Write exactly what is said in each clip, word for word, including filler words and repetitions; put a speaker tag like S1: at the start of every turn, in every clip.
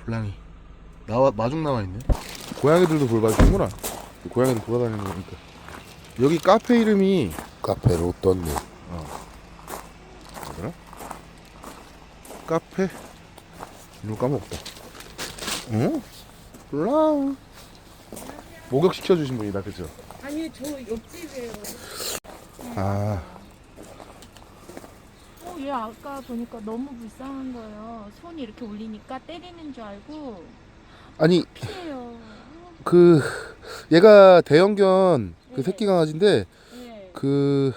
S1: 블랑이 나와 마중 나와 있네. 고양이들도 돌봐주는구나. 고양이들 돌아다니는 거니까. 여기 카페 이름이
S2: 카페 로또네.
S1: 어 뭐더라? 카페 이름 까먹었다. 어? 블랑 목욕 시켜주신 분이다, 그죠?
S3: 아니 저 옆집이에요.
S1: 아
S3: 어, 얘 아까 보니까 너무 불쌍한 거예요. 손이 이렇게 올리니까 때리는 줄 알고
S1: 아니
S3: 피해요.
S1: 그 얘가 대형견 그
S3: 네.
S1: 새끼 강아지인데
S3: 네.
S1: 그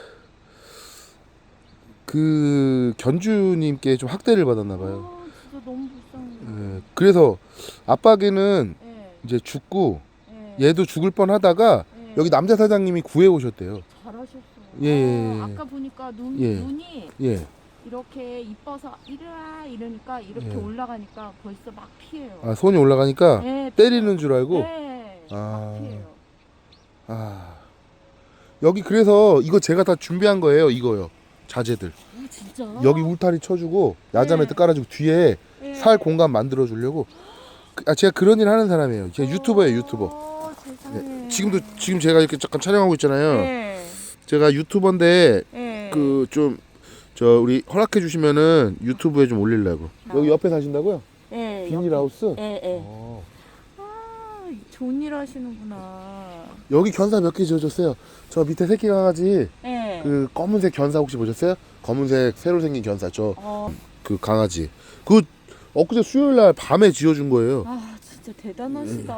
S1: 그 견주님께 좀 학대를 받았나 봐요.
S3: 아, 진짜 너무 불쌍해.
S1: 예, 그래서 아빠 개는
S3: 네.
S1: 이제 죽고
S3: 네.
S1: 얘도 죽을 뻔하다가
S3: 네.
S1: 여기 남자 사장님이 구해 오셨대요.
S3: 잘하셨어요.
S1: 예, 예, 예.
S3: 어, 아까 보니까 눈
S1: 예.
S3: 눈이
S1: 예.
S3: 이렇게 이뻐서 이리와 이러니까 이렇게
S1: 예.
S3: 올라가니까 벌써 막 피해요.
S1: 아 손이 올라가니까
S3: 네,
S1: 때리는 줄 알고.
S3: 네.
S1: 아.
S3: 막 피해요.
S1: 아 여기 그래서 이거 제가 다 준비한 거예요. 이거요. 자재들.
S3: 오, 진짜?
S1: 여기 울타리 쳐주고 야자
S3: 네.
S1: 매트 깔아주고 뒤에
S3: 네.
S1: 살 공간 만들어 주려고. 아 제가 그런 일 하는 사람이에요. 제가 유튜버예요, 유튜버.
S3: 어, 세상에.
S1: 네. 지금도 지금 제가 이렇게 잠깐 촬영하고 있잖아요.
S3: 네.
S1: 제가 유튜버인데
S3: 네.
S1: 그 좀 저 우리 허락해 주시면은 유튜브에 좀 올리려고.
S3: 아.
S1: 여기 옆에 사신다고요?
S3: 네.
S1: 비닐하우스?
S3: 예, 예.
S1: 어.
S3: 아, 좋은 일 하시는구나.
S1: 여기 견사 몇 개 지어줬어요. 저 밑에 새끼 강아지
S3: 예.
S1: 그 검은색 견사 혹시 보셨어요? 검은색 새로 생긴 견사 저 그
S3: 어,
S1: 강아지 그 엊그제 수요일 날 밤에 지어준 거예요.
S3: 아, 진짜 대단하시다.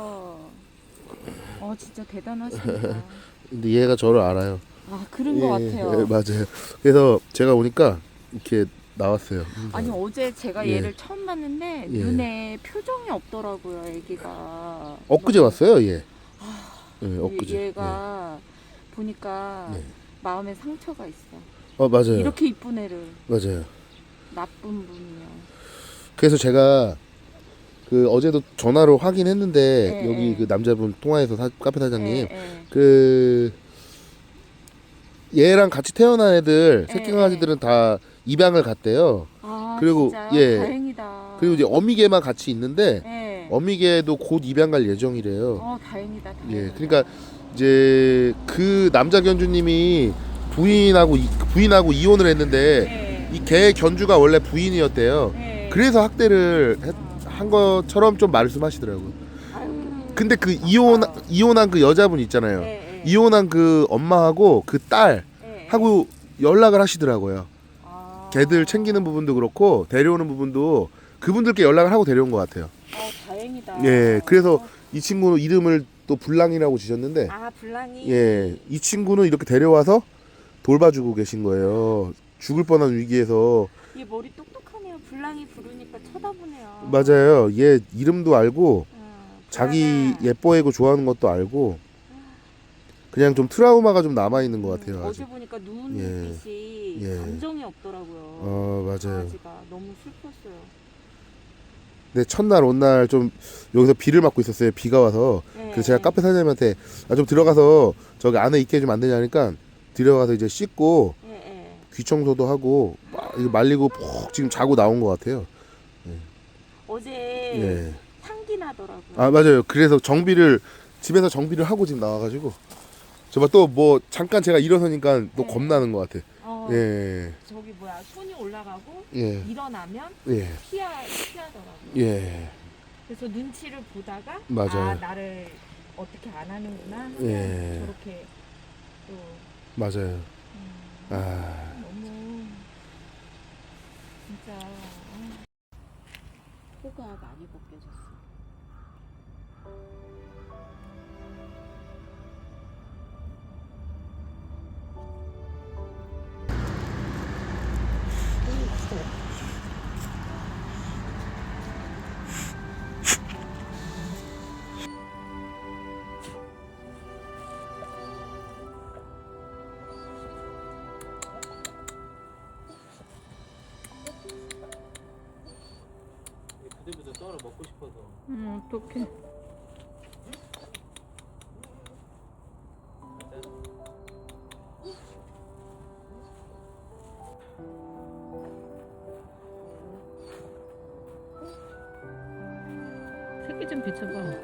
S3: 어, 진짜 대단하시다.
S1: 근데 얘가 저를 알아요.
S3: 아, 그런 것
S1: 예,
S3: 같아요.
S1: 예, 맞아요. 그래서 제가 오니까 이렇게 나왔어요.
S3: 아니, 어제 제가
S1: 예.
S3: 얘를 처음 봤는데
S1: 예.
S3: 눈에 표정이 없더라고요, 애기가.
S1: 엊그제
S3: 막-
S1: 왔어요, 얘. 예, 엊그제.
S3: 얘가 보니까
S1: 네.
S3: 마음에 상처가 있어.
S1: 어 맞아요.
S3: 이렇게 이쁜 애를
S1: 맞아요.
S3: 나쁜 분이요.
S1: 그래서 제가 그 어제도 전화로 확인했는데
S3: 예,
S1: 여기
S3: 예.
S1: 그 남자분 통화해서 사, 카페 사장님
S3: 예, 예.
S1: 그 얘랑 같이 태어난 애들
S3: 예,
S1: 새끼 강아지들은 다 입양을 갔대요.
S3: 아,
S1: 그리고,
S3: 진짜요?
S1: 예.
S3: 다행이다.
S1: 그리고 이제 어미개만 같이 있는데
S3: 예.
S1: 어미개도 곧 입양 갈 예정이래요.
S3: 어, 다행이다. 다행이다.
S1: 예, 그러니까 이제 그 남자 견주님이 부인하고 이- 부인하고 이혼을 했는데
S3: 예.
S1: 이 개 견주가 원래 부인이었대요.
S3: 예.
S1: 그래서 학대를 했- 한 것처럼 좀 말씀하시더라고요.
S3: 아유,
S1: 근데 그 이혼 이혼한 그 여자분 있잖아요.
S3: 예, 예.
S1: 이혼한 그 엄마하고 그 딸하고
S3: 예.
S1: 연락을 하시더라고요.
S3: 아.
S1: 개들 챙기는 부분도 그렇고 데려오는 부분도 그분들께 연락을 하고 데려온 것 같아요.
S3: 어, 다행이다.
S1: 예, 그래서 이 친구는 이름을 또 블랑이라고 지셨는데,
S3: 아, 블랑이.
S1: 예, 이 친구는 이렇게 데려와서 돌봐주고 계신 거예요. 죽을 뻔한 위기에서.
S3: 얘 머리 똑똑하네요. 블랑이 부르니까 쳐다보네요.
S1: 맞아요. 얘 이름도 알고
S3: 어,
S1: 자기
S3: 블랑아.
S1: 예뻐하고 좋아하는 것도 알고 그냥 좀 트라우마가 좀 남아 있는 것 같아요.
S3: 음,
S1: 아직.
S3: 어제 보니까 눈빛이
S1: 예.
S3: 감정이 없더라고요.
S1: 어 맞아요.
S3: 강아지가 너무 슬펐어요.
S1: 근데 첫날 온 날 좀 여기서 비를 맞고 있었어요. 비가 와서.
S3: 예.
S1: 그래서 제가 카페 사장님한테 아, 좀 들어가서 저기 안에 있게 해주면 안 되냐니까 들어가서 이제 씻고
S3: 예, 예.
S1: 귀 청소도 하고 막 이거 말리고 푹 지금 자고 나온 것 같아요.
S3: 어제
S1: 예.
S3: 향기 나더라고요.
S1: 아 맞아요. 그래서 정비를 집에서 정비를 하고 지금 나와가지고 저봐 또 뭐 잠깐 제가 일어서니까 또
S3: 네.
S1: 겁나는 것 같아.
S3: 어,
S1: 예.
S3: 저기 뭐야 손이 올라가고
S1: 예.
S3: 일어나면
S1: 예.
S3: 피하 피하더라고요.
S1: 예.
S3: 그래서 눈치를 보다가
S1: 맞아요.
S3: 아 나를 어떻게 안 하는구나.
S1: 예.
S3: 저렇게 또
S1: 맞아요.
S3: 음,
S1: 아.
S3: 너무 진짜 아, 코가 많이 벗겨졌어.
S4: 부들부들 떨어 먹고 싶어서.
S3: 음 어떡해.
S2: 새끼 좀 비춰봐.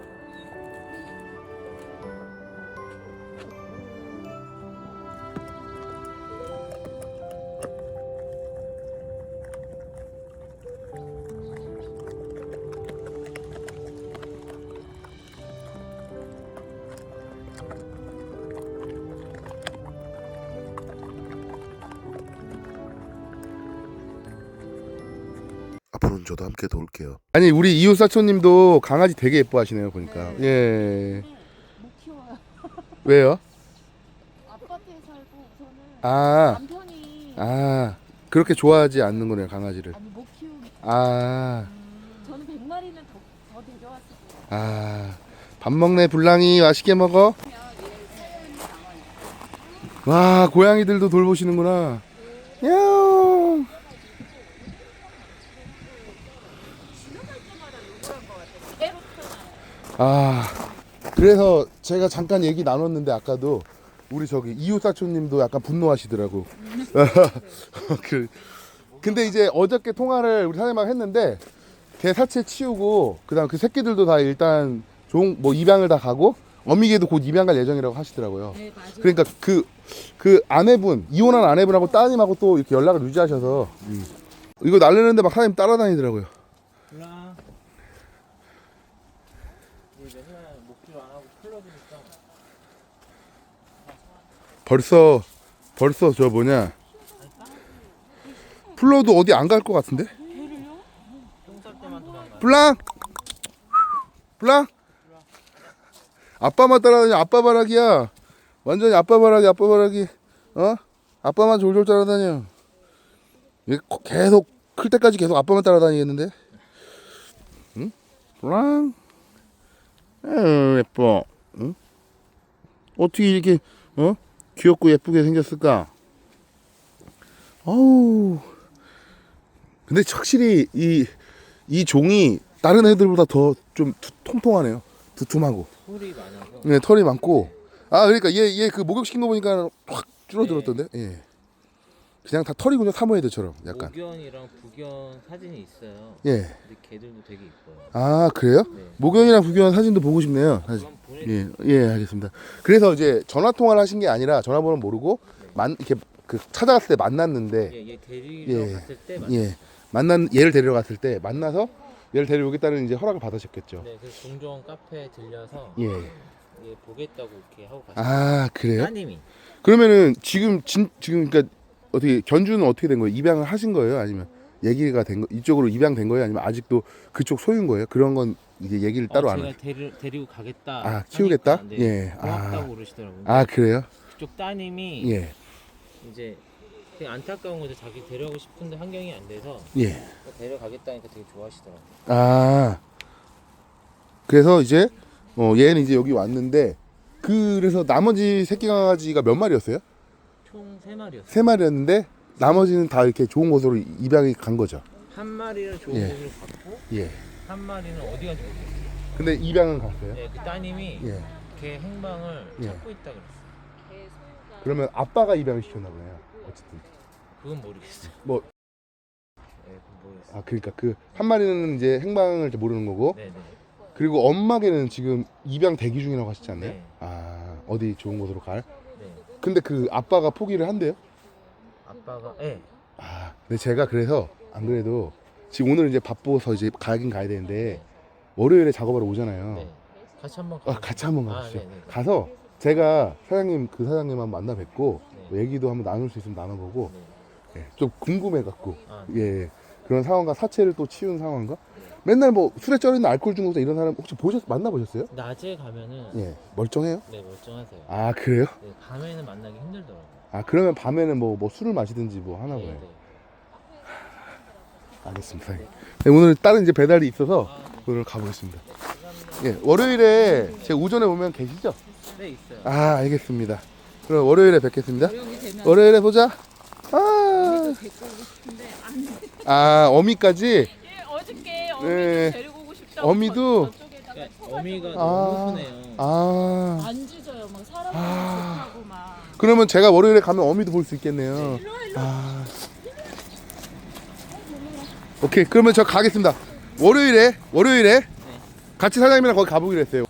S1: 앞으로는 저도 함께 도울게요. 아니 우리 이웃 사촌님도 강아지 되게 예뻐하시네요 보니까.
S3: 네.
S1: 예.
S3: 못 키워요.
S1: 왜요?
S3: 아파트에 살고 우선은
S1: 아,
S3: 남편이
S1: 아 그렇게 좋아하지 않는 거네요 강아지를.
S3: 아니 못 키우기.
S1: 아,
S3: 저는 백 마리는 더, 더 데려왔을 거예요.
S1: 아, 밥 먹네 불랑이 맛있게 먹어. 와 고양이들도 돌보시는구나. 야옹. 아 그래서 제가 잠깐 얘기 나눴는데 아까도 우리 저기 이웃 사촌님도 약간 분노하시더라고. 그 근데 이제 어저께 통화를 우리 사장님하고 했는데 개 사체 치우고 그다음 그 새끼들도 다 일단 종 뭐 입양을 다 가고 어미개도 곧 입양 갈 예정이라고 하시더라고요.
S3: 네 맞아요.
S1: 그러니까 그 그 아내분 이혼한 아내분하고 따님하고 또 이렇게 연락을 유지하셔서 음. 이거 날리는데 막 사장님 따라다니더라고요.
S4: 몰라. 이제 맨날 목줄 안 하고 풀러주니까.
S1: 벌써 벌써 저 뭐냐 플러도 어디 안 갈 것 같은데?
S4: 똥쌀 때만 도망가.
S1: 블랑 블랑 아빠만 따라다니 아빠 바라기야. 완전히 아빠 바라기 아빠 바라기. 어? 아빠만 졸졸 따라다녀. 얘 거- 계속 클 때까지 계속 아빠만 따라다니겠는데? 응? 블랑 에휴 예뻐. 응? 어떻게 이렇게 어? 귀엽고 예쁘게 생겼을까? 어우. 근데 확실히 이, 이 종이 다른 애들보다 더 좀 통통하네요. 두툼하고.
S4: 털이 많아서.
S1: 네, 털이 많고. 아, 그러니까 얘, 얘 그 목욕시킨 거 보니까 확 줄어들었던데? 예. 그냥 다 털이군요, 사모예드처럼. 약간.
S4: 목견이랑 부견 사진이 있어요.
S1: 예.
S4: 근데 걔들도 되게 이뻐요.
S1: 아, 그래요?
S4: 네.
S1: 목욕이랑 부교한 사진도 보고 싶네요. 사진.
S4: 그럼 보내.
S1: 예, 예, 알겠습니다. 그래서 이제 전화 통화를 하신 게 아니라 전화번호 모르고 만 이렇게 그 찾아갔을 때 만났는데
S4: 얘, 얘 데리러
S1: 예.
S4: 갔을 때 맞.
S1: 예. 만난 얘를 데리러 갔을 때 만나서 얘를 데려오겠다는 이제 허락을 받으셨겠죠.
S4: 네, 그래서 종종 카페에 들려서
S1: 예.
S4: 얘 보겠다고 이렇게 하고 갔어요.
S1: 아, 그래요?
S4: 따님이.
S1: 그러면은 지금 진 지금 그러니까 어떻게 견주는 어떻게 된 거예요? 입양을 하신 거예요? 아니면 얘기가 된 거 이쪽으로 입양된 거예요? 아니면 아직도 그쪽 소유인 거예요? 그런 건 이제 얘기를 따로
S4: 어,
S1: 안
S4: 제가
S1: 하죠.
S4: 데리, 데리고 가겠다.
S1: 아, 키우겠다?
S4: 하니까, 네,
S1: 예.
S4: 고맙다고
S1: 아.
S4: 그러시더라고요.
S1: 아, 그래요?
S4: 그쪽 따님이
S1: 예.
S4: 이제 되게 안타까운 거죠. 자기 데려가고 싶은데 환경이 안 돼서
S1: 예.
S4: 데려가겠다니까 되게 좋아하시더라고요.
S1: 아. 그래서 이제 어 얘는 이제 여기 왔는데 그래서 나머지 새끼 강아지가 몇 마리였어요?
S4: 총 세 마리였어요.
S1: 세 마리였는데 나머지는 다 이렇게 좋은 곳으로 입양이 간 거죠.
S4: 한 마리는 좋은
S1: 예.
S4: 곳으로 갔고
S1: 예.
S4: 한 마리는 어디 간지 모르겠어요.
S1: 근데 입양은 갔어요.
S4: 네, 그 따님이
S1: 예.
S4: 걔 행방을
S1: 예.
S4: 찾고 있다 그랬어요.
S1: 그러면 아빠가 입양을 시켰나 보네요. 어쨌든.
S4: 그건 모르겠어요.
S1: 뭐
S4: 네, 그건 모르겠어요.
S1: 아 그러니까 그 한 마리는 이제 행방을 이제 모르는 거고
S4: 네, 네.
S1: 그리고 엄마개는 지금 입양 대기 중이라고 하시지 않나요?
S4: 네.
S1: 아 어디 좋은 곳으로 갈?
S4: 네.
S1: 근데 그 아빠가 포기를 한대요?
S4: 아빠가 네.
S1: 아 근데 제가 그래서 안 그래도 지금 오늘 이제 바빠서 이제 가긴 가야 되는데
S4: 네.
S1: 월요일에 작업하러 오잖아요.
S4: 네. 같이 한번
S1: 아, 같이 한번
S4: 아,
S1: 가시죠.
S4: 네, 네, 네.
S1: 가서 제가 사장님 그 사장님 한번 만나 뵙고
S4: 네.
S1: 뭐 얘기도 한번 나눌 수 있으면 나눠보고
S4: 네.
S1: 예, 좀 궁금해 갖고
S4: 아,
S1: 예, 예 그런 상황과 사체를 또 치운 상황과 맨날 뭐 술에 쩔이는 알코올 중독자 이런 사람 혹시 보셨 만나 보셨어요?
S4: 낮에 가면은
S1: 예 멀쩡해요?
S4: 네 멀쩡하세요.
S1: 아 그래요?
S4: 네, 밤에는 만나기 힘들더라고요.
S1: 아 그러면 밤에는 뭐 뭐 술을 마시든지 뭐 하나
S4: 네,
S1: 보네요.
S4: 네.
S1: 알겠습니다. 네, 오늘 다른 이제 배달이 있어서
S4: 아, 네.
S1: 오늘 가보겠습니다.
S4: 감사합니다.
S1: 예 월요일에 제 오전에 오면 계시죠?
S4: 네 있어요.
S1: 아 알겠습니다. 그럼 월요일에 뵙겠습니다.
S3: 어려움이 되면
S1: 월요일에 보자. 아,
S3: 데리고 오고 싶은데 안 돼.
S1: 아 어미까지.
S3: 예, 어저께 어미도
S1: 네.
S3: 데리고 오고 싶다고
S1: 어미도?
S3: 저, 저쪽에다가
S4: 그러니까
S3: 쳐가지고
S4: 어미가
S1: 아.
S4: 너무 순해요.
S1: 아
S3: 안 짖어요. 막 사람
S1: 아.
S3: 좋다고 막.
S1: 그러면 제가 월요일에 가면 어미도 볼 수 있겠네요.
S3: 일로 와, 일로 와.
S1: 아 오케이 그러면 저 가겠습니다. 월요일에 월요일에 같이 사장님이랑 거기 가보기로 했어요.